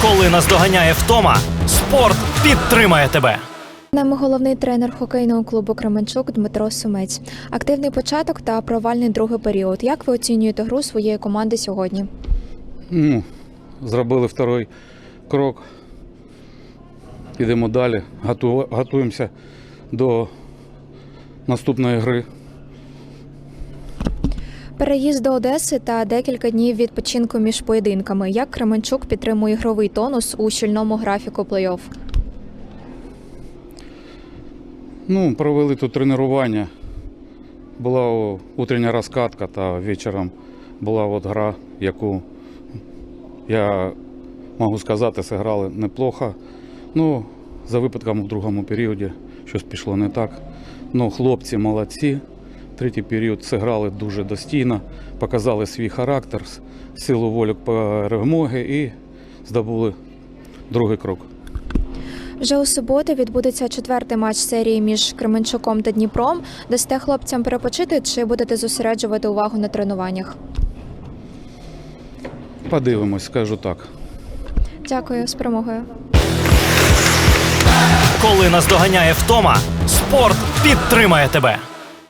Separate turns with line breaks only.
Коли наздоганяє втома, спорт підтримає тебе.
Нами головний тренер хокейного клубу «Кременчук» Дмитро Сумець. Активний початок та провальний другий період. Як ви оцінюєте гру своєї команди сьогодні?
Зробили второй крок. Йдемо далі. Готуємося до наступної гри.
Переїзд до Одеси та декілька днів відпочинку між поєдинками. Як Кременчук підтримує ігровий тонус у щільному графіку плей-офф?
Провели тут тренування. Була утрення розкатка та вечором була гра, яку, я можу сказати, зіграли неплохо. За випадком в другому періоді щось пішло не так. Хлопці молодці. Третій період зіграли дуже достійно, показали свій характер, силу волі перемоги і здобули другий крок.
Вже у суботу відбудеться четвертий матч серії між Кременчуком та Дніпром. Дасте хлопцям перепочити чи будете зосереджувати увагу на тренуваннях?
Подивимось, скажу так.
Дякую, з перемогою.
Коли наздоганяє втома, спорт підтримає тебе.